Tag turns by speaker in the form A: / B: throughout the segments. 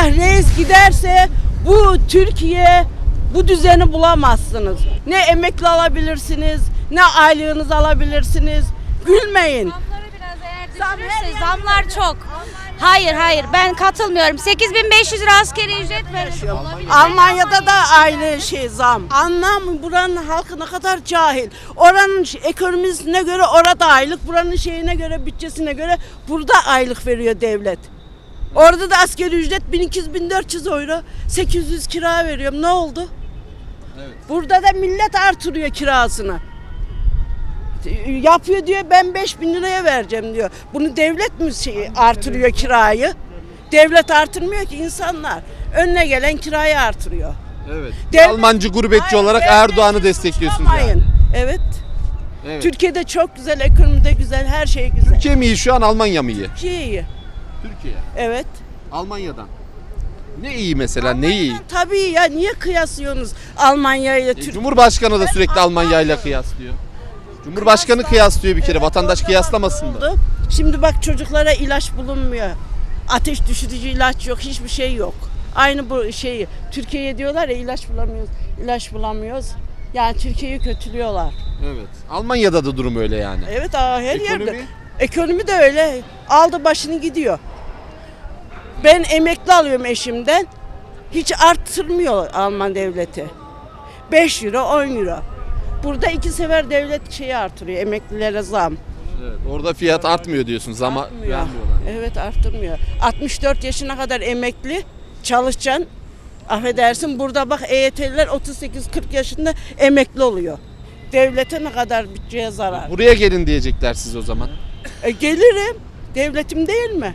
A: reis giderse bu Türkiye bu düzeni bulamazsınız. Ne emekli alabilirsiniz, ne aylığınızı alabilirsiniz. Gülmeyin.
B: Zamları biraz eğer düşürürse zamlar çok. Hayır ben katılmıyorum. 8.500 lira askeri ücret veriyor.
A: Almanya'da da aynı zam. Anlam buranın halkı ne kadar cahil. Oranın ekonomisine göre orada aylık, buranın şeyine göre, bütçesine göre burada aylık veriyor devlet. Orada da asgari ücret 1200-1400 euro, 800 kira veriyorum. Ne oldu?
C: Evet.
A: Burada da millet artırıyor kirasını. Yapıyor diyor, ben 5.000 liraya vereceğim diyor. Bunu devlet mi artırıyor kirayı? Devlet artırmıyor ki, insanlar. Önüne gelen kirayı artırıyor.
C: Evet.
A: Devlet-
C: Almancı gurbetçi
A: Hayır,
C: olarak
A: devlet
C: Erdoğan'ı destekliyorsunuz yani.
A: suçlamayın. Evet.
C: Evet.
A: Türkiye'de çok güzel, ekonomide güzel, her şey güzel.
C: Türkiye mi iyi şu an, Almanya mı iyi?
A: Türkiye iyi.
C: Türkiye.
A: Evet.
C: Almanya'dan. Ne iyi mesela, ne iyi?
A: Tabii ya, niye kıyaslıyorsunuz Almanya ile Türkiye?
C: Cumhurbaşkanı da sürekli Almanya ile kıyaslıyor. Cumhurbaşkanı kıyaslıyor bir kere, vatandaş kıyaslamasın da.
A: Şimdi bak, çocuklara ilaç bulunmuyor. Ateş düşürücü ilaç yok, hiçbir şey yok. Aynı bu şeyi Türkiye'ye diyorlar ya, ilaç bulamıyoruz. Yani Türkiye'yi kötülüyorlar.
C: Evet. Almanya'da da durum öyle yani.
A: Evet, her
C: Ekonomi?
A: yerde. Ekonomi de öyle. Aldı başını gidiyor. Ben emekli alıyorum eşimden. Hiç arttırmıyor Alman devleti. 5 euro, 10 euro. Burada 2 sefer devlet artırıyor, emeklilere zam.
C: Evet. Orada fiyat artmıyor diyorsunuz ama
A: Artmıyor.
C: vermiyorlar.
A: Evet, arttırmıyor. 64 yaşına kadar emekli çalışacaksın. Affedersin, burada bak EYT'liler 38-40 yaşında emekli oluyor. Devlete ne kadar bütçeye zarar.
C: Buraya gelin diyecekler siz o zaman.
A: Gelirim. Devletim değil mi?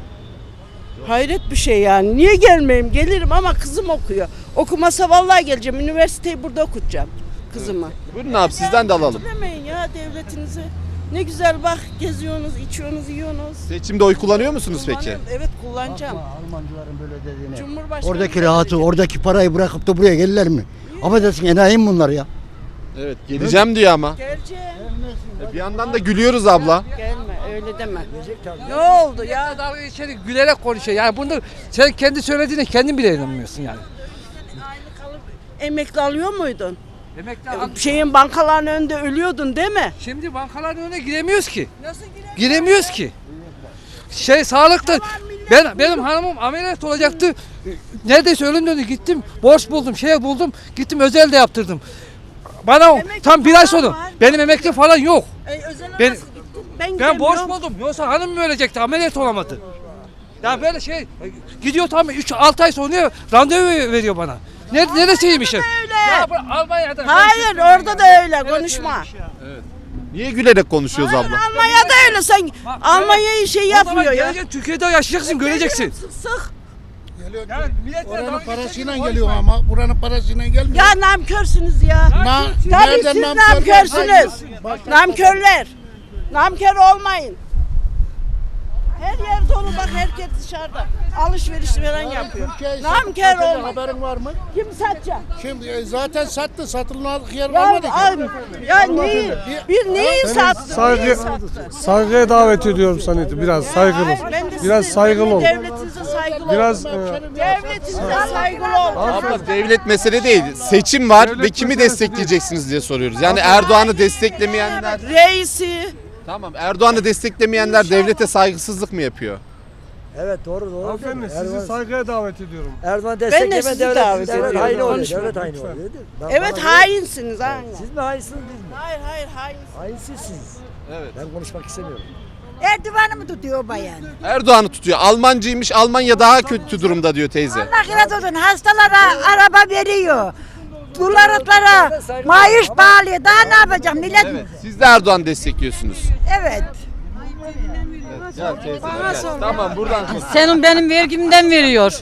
A: Hayret bir şey yani. Niye gelmeyeyim? Gelirim ama kızım okuyor. Okumasa vallahi geleceğim. Üniversiteyi burada okutacağım kızımı.
C: Buyurun abi, sizden de alalım.
A: Demeyin ya devletinizi. Ne güzel bak, geziyorsunuz, içiyorsunuz, yiyorsunuz.
C: Seçimde oy kullanıyor musunuz peki?
A: Evet, kullanacağım.
D: Almancıların böyle dediğine.
A: Cumhurbaşkanı
D: Oradaki rahatı, oradaki parayı bırakıp da buraya gelirler mi? Affedersin, enayi mi bunlar ya?
C: Evet, geleceğim diyor ama.
A: Geleceğim.
C: Bir yandan da gülüyoruz abla.
A: Gelme, öyle deme. Ne oldu ya?
E: Dalga geçerek gülerek konuşuyor. Yani bunu sen kendi söylediğine kendin bile inanmıyorsun yani.
A: Aylık alıp emekli alıyor muydun?
E: Emekli
A: Şeyin bankaların önünde ölüyordun değil mi?
E: Şimdi bankaların önüne giremiyoruz ki.
A: Nasıl giremiyorsun?
E: Giremiyoruz ki. Sağlıkta benim hanımım ameliyat olacaktı. Neredeyse ölüm döndü, gittim. Borç buldum, buldum. Gittim özelde yaptırdım. Bana
A: Emekli
E: tam bir ay
A: falan
E: sonra
A: var.
E: benim emekli falan yok.
A: Özele
E: Ben-
A: nasıl gittin? Ben
E: Ben borç
A: gidemiyorum.
E: buldum. Yoksa hanım mı ölecekti? Ameliyat olamadı. Ya böyle gidiyor tam 3-6 ay sonra randevu veriyor bana. Neresiymiş?
A: öyle.
E: Ya bu Almanya'da.
A: Hayır, orada da öyle, konuşma.
C: Niye gülerek konuşuyoruz abla?
A: Almanya'da öyle, sen Almanya'yı
E: O zaman
A: yapmıyor ya.
E: geleceksin, Türkiye'de yaşayacaksın, göreceksin.
A: Sık.
E: Yani milletle
F: Oranın
E: dalga
F: parasıyla
E: geçerek
F: geliyor
E: konuşma.
F: ama buranın parasıyla gelmiyor.
A: Ya namkörsünüz ya. Tabii
F: Nereden
A: siz
F: nankör?
A: namkörsünüz. Namkörler. Namkör olmayın. Her yer dolu bak, herkes dışarıda. Alışveriş falan yapıyor. Namkör olmayın.
F: Haberin var mı?
A: Kim satacak?
F: Şimdi zaten sattı. Satılmadık yer
A: Ya,
F: kalmadı ki.
A: ya neyi? Bir neyi sattı? Neyi sattı?
G: Saygıya davet ediyorum seni. Biraz saygılı.
A: Hayır, ben de
G: Biraz
A: sizin
G: saygılı ol.
A: Devletinize saygılı
G: Biraz
A: olun. Devletinize saygılı olun.
C: Abla, devlet mesele değil. Seçim var ve kimi destekleyeceksiniz diye soruyoruz. Yani Erdoğan'ı desteklemeyenler...
A: Reisi.
C: Tamam, Erdoğan'ı desteklemeyenler devlete saygısızlık mı yapıyor?
H: Evet, doğru.
G: Hanımefendi sizi saygıya davet ediyorum.
H: Erdoğan
A: Ben de
H: destekleme
A: sizi
H: devlet
A: davet
H: haini
A: ediyorum.
H: oluyor.
A: Konuşma.
H: Devlet haini oluyor. değil mi?
A: Evet, hainsiniz. Aynen.
H: Siz mi hainsiniz biz mi?
A: Hayır, hainsiniz.
H: Hainsizsiniz.
C: Evet.
H: Ben konuşmak istemiyorum.
I: Erdoğan'ı mı tutuyor bayan?
C: Erdoğan'ı tutuyor. Almancıymış, Almanya daha kötü durumda diyor teyze.
I: Allah razı olsun. Hastalara araba veriyor. Dolarlara maaş bağlıyor. Daha ne yapacağım millet?
C: Evet. Siz de Erdoğan destekliyorsunuz.
I: Evet.
C: Gel teyze, gel. Tamam, buradan.
J: Senin benim vergimden veriyor.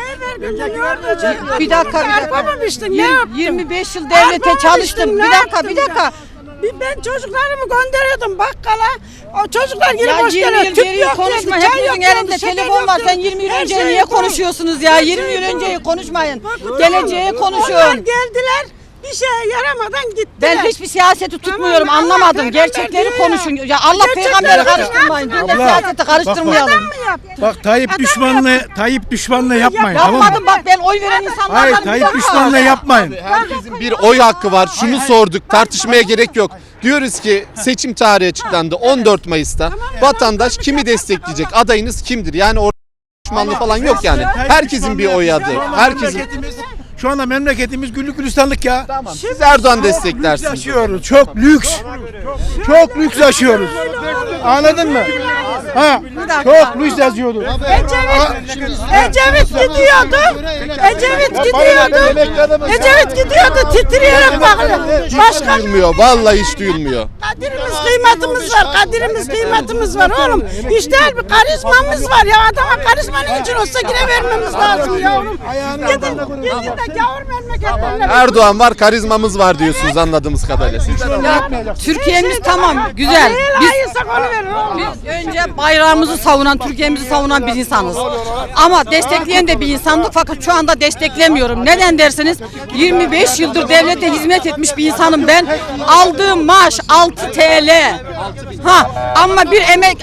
J: Bir dakika.
A: Yapamamıştın, ne yaptın?
J: 25 yıl devlete çalıştım.
A: ne
J: Bir
A: yaptın
J: dakika.
A: ya? Ben çocuklarımı gönderiyordum bakkala. O çocuklar geri
J: Ya
A: boş
J: 20
A: geliyor.
J: yıl
A: Tüp
J: geriye
A: yok
J: konuşma.
A: diyordu, çay
J: Hepinizin
A: yok diyordu,
J: elinde
A: şeker
J: telefon
A: yok
J: var. Sen
A: diyordu.
J: 20 yıl
A: Her
J: önce
A: şey
J: niye
A: yok.
J: konuşuyorsunuz ya?
A: Her
J: 20
A: şey
J: yıl
A: yok.
J: önceyi konuşmayın.
A: Bak,
J: Geleceğe
A: Onlar
J: konuşun.
A: geldiler. Bir şeye yaramadan gitti.
J: Ben hiçbir siyaseti tutmuyorum,
A: Tamam, Allah
J: anlamadım.
A: peygamber
J: Gerçekleri
A: diyor ya.
J: konuşun. Ya Allah
A: Gerçekleri
J: peygamberi
A: konuşun.
J: karıştırmayın. Biz de
F: Abla,
J: siyaseti karıştırmayalım.
A: Adam mı yaptı?
F: Bak Tayyip düşmanlığı yapmayın.
J: Yapmadım bak, ben oy veren insanlardan
F: Hayır
J: bir
F: Tayyip
J: dakika.
F: düşmanlığı yapmayın.
C: Herkesin bir oy hakkı var. Şunu sorduk. Tartışmaya gerek yok. Diyoruz ki seçim tarihi açıklandı 14 Mayıs'ta. Vatandaş kimi destekleyecek? Adayınız kimdir? Yani orada düşmanlığı falan yok yani. Herkesin bir oy adı. Herkesin.
F: Şu anda memleketimiz güllük gülistanlık ya.
C: Siz Erdoğan
F: Lüks
C: desteklersiniz.
F: yaşıyoruz. Çok lüks. Çok lüks yaşıyoruz. Anladın mı? Ha, çok lüks yaşıyoruz.
A: Ecevit gidiyordu. Ecevit gidiyordu titreyerek bakıyor.
C: Hiç duyulmuyor. Vallahi hiç duyulmuyor.
A: Kadirimiz kıymetimiz var. Kadirimiz kıymetimiz var oğlum. İşte bir karizmamız var ya. Adama karizma ne için olsa yine vermemiz lazım yavrum. Gidin de gavur memleketlerine.
C: Erdoğan var, karizmamız var diyorsunuz anladığımız kadarıyla. Sizden
J: Ya, Türkiye'miz tamam, güzel.
A: Hayırsak onu verin oğlum.
J: Biz önce bayrağımızı savunan, Türkiye'mizi savunan bir insanız. Ama destekleyen de bir insandık, fakat şu anda desteklemiyorum. Neden derseniz 25 yıldır devlete hizmet etmiş bir insanım ben. Aldığım maaş 6 TL. Ama bir emek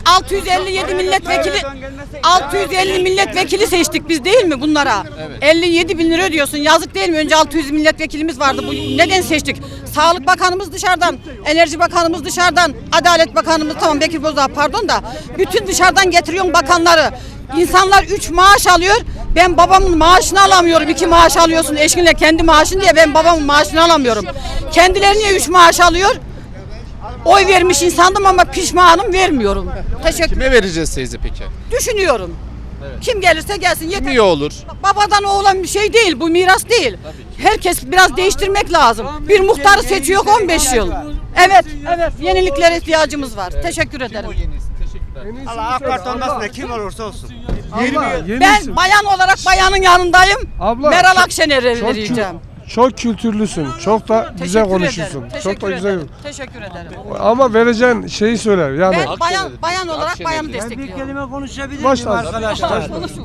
J: 650 milletvekili seçtik biz değil mi bunlara? 57 bin lira ödüyorsun. Yazık değil mi? Önce 600 milletvekilimiz vardı. Bu neden seçtik? Sağlık Bakanımız dışarıdan, Enerji Bakanımız dışarıdan, Adalet Bakanımız tamam Bekir Bozdağ pardon da bütün dışarıdan getiriyorsun bakanları. İnsanlar 3 maaş alıyor. Ben babamın maaşını alamıyorum. 2 maaş alıyorsun eşinle kendi maaşın diye ben babamın maaşını alamıyorum. Kendileri niye 3 maaş alıyor? Oy vermiş insandım ama pişmanım, vermiyorum. Teşekkür
C: kime vereceğiz teyze peki?
J: Düşünüyorum. Kim gelirse gelsin yeter.
C: Kim iyi olur?
J: Babadan oğlan bir şey değil, bu miras değil. Herkes biraz değiştirmek lazım. Bir muhtarı seçiyor 15 yıl. Evet, yeniliklere ihtiyacımız var. Teşekkür ederim.
H: Allah AK Parti olmasın da kim olursa olsun.
J: Ben bayan olarak bayanın yanındayım.
G: Abla,
J: Meral Akşener'e
G: çok
J: vereceğim.
G: Çok kültürlüsün. Çok da güzel
J: Teşekkür
G: konuşuyorsun.
J: ederim.
G: Çok da
J: Teşekkür
G: güzel.
J: ederim. Teşekkür ederim.
G: Ama vereceğin şeyi söyler. Yani
J: Ben bayan olarak bayanı destekliyorum.
H: konuşabilir
G: Başla.
H: arkadaşlar?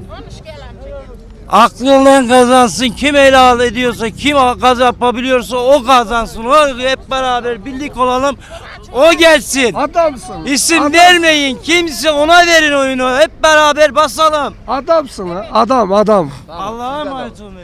H: Aklından kazansın. Kim helal ediyorsa, kim yapabiliyorsa o kazansın. O hep beraber birlik olalım. O gelsin.
G: Adamsın.
H: İsim vermeyin. Kimse ona verin oyunu. Hep beraber basalım.
G: Adamsın ha. Adam.
H: Allah'a emanet olun.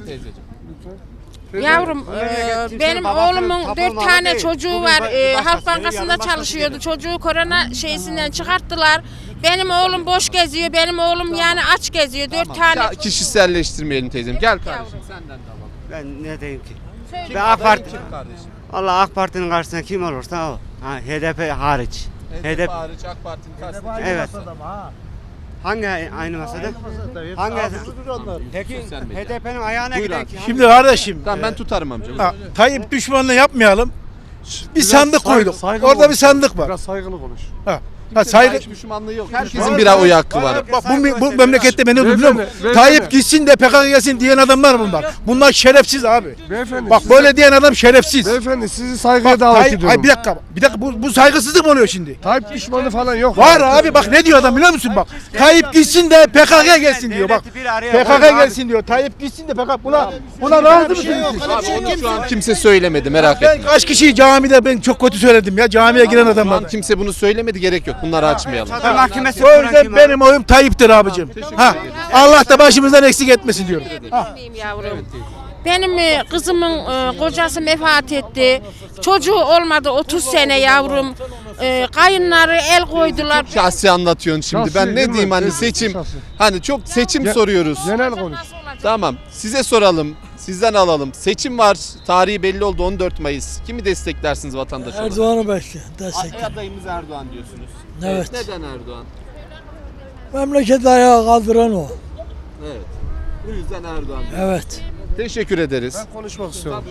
K: Yavrum benim oğlumun 4 tane çocuğu var. Halk Bankası'nda çalışıyordu. Çocuğu korona şeysinden çıkarttılar. Benim oğlum boş geziyor. Benim oğlum yani aç geziyor. 4 tane.
C: Ya, kişiselleştirmeyelim teyzem. Gel kardeşim senden de alalım.
H: Ben ne diyeyim ki?
K: Söyle.
H: Ben AK Parti.
C: Kim kardeşim?
H: Allah AK Parti'nin karşısında kim olursa o. Ha, HDP hariç.
C: HDP hariç AK Parti'nin karşısında.
H: Evet. Hangi aynı masada? Hangi? Peki HDP'nin ayağına
C: Buyur
H: giden
C: abi.
H: kim?
F: Şimdi kardeşim
C: Tamam ben tutarım amca.
F: ha, Tayyip düşmanlığı yapmayalım. Bir
G: Biraz
F: sandık koyduk.
G: saygılı
F: Orada bir
G: konuş.
F: sandık var.
G: Biraz saygılı konuş.
F: Ha, saygı.
C: Hiç düşmanlığı yok. Herkesin bir oy hakkı var.
F: Bak bu memlekette beni biliyor musun?
G: Beyefendi.
F: Tayyip gitsin de PKK gelsin diyen adamlar bunlar. Bunlar şerefsiz abi.
G: Beyefendi.
F: Bak böyle diyen adam şerefsiz.
G: Beyefendi sizi saygıya davet ediyorum.
F: Hayır bir dakika bu saygısızlık mı oluyor şimdi?
G: Tayyip düşmanı falan yok.
F: Var abi bak ne diyor adam biliyor musun bak. Tayyip gitsin de PKK gelsin diyor bak. PKK gelsin diyor. Tayyip gitsin de PKK buna razı mısınız?
C: Abi onu şu an kimse söylemedi merak
F: Ben
C: etme.
F: kaç kişiyi camide ben çok kötü söyledim ya camiye giren
C: Şu an
F: adamlar.
C: kimse bunu söylemedi gerek yok. Bunları açmayalım.
H: Mahkemesi
F: O yüzden benim oyum Tayyip'tir abicim. Ha Allah da başımızdan eksik etmesin diyorum.
K: Bilmeyeyim yavrum. Benim kızımın kocası vefat etti. Çocuğu olmadı 30 sene yavrum. Kayınları el koydular.
C: Şahsi anlatıyorsun şimdi.
G: Şahsi
C: Ben
G: değil
C: ne
G: mi?
C: diyeyim hani
G: Şahsi.
C: seçim. Hani çok seçim soruyoruz.
G: Genel konuş.
C: Tamam. Size soralım. Sizden alalım. Seçim var. Tarihi belli oldu 14 Mayıs. Kimi desteklersiniz vatandaş olarak?
J: Erdoğan'ı destekle.
C: Adayımız Erdoğan diyorsunuz.
J: Evet.
C: Neden Erdoğan?
J: Memleketi ayağa kaldıran o.
C: Evet. Bu yüzden Erdoğan diyoruz.
J: Evet.
C: Teşekkür ederiz.
G: Ben konuşmak istiyorum.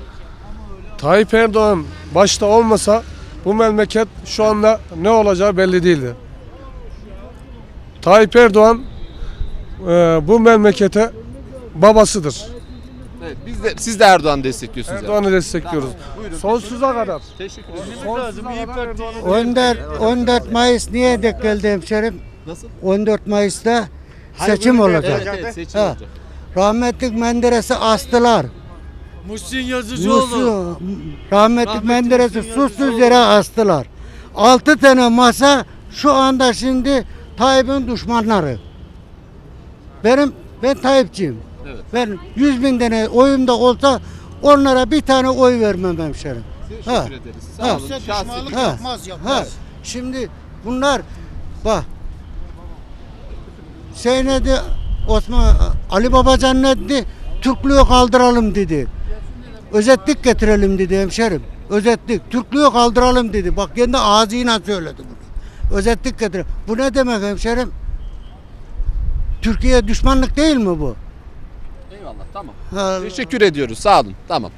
G: Tayyip Erdoğan başta olmasa bu memleket şu anda ne olacağı belli değildi. Tayyip Erdoğan bu memlekete babasıdır.
C: Evet, siz de Erdoğan destekliyorsunuz.
G: Erdoğan'ı destekliyoruz.
C: Buyurun.
G: Sonsuza kadar.
C: Teşekkür ederim.
D: 14 Mayıs niye denk geldi hemşerim?
C: Nasıl?
D: 14 Mayıs'ta seçim olacak.
C: Evet, seçim
D: Ha.
C: olacak.
D: Rahmetlik Menderes'i astılar.
H: Muhsin Yazıcıoğlu.
D: Rahmetli Menderes'i susuz yere astılar. 6 tane masa şu anda şimdi Tayyip'in düşmanları. Ben Tayyipçiyim.
C: Evet.
D: Ben 100.000 tane oyum da olsa onlara bir tane oy vermem hemşerim.
C: Teşekkür
D: Ha.
C: ederiz.
D: Ha.
C: Sağ olun. Şahsi
D: Ha. Şimdi bunlar bak ne dedi Ali Babacan ne dedi? Türklüğü kaldıralım dedi. Özetlik getirelim dedi hemşerim. Özetlik. Türklüğü kaldıralım dedi. Bak kendi ağzıyla söyledi bunu. Özetlik getirelim. Bu ne demek hemşerim? Türkiye düşmanlık değil mi bu?
C: Eyvallah, tamam.
D: Ha.
C: Teşekkür ediyoruz. Sağ olun. Tamam.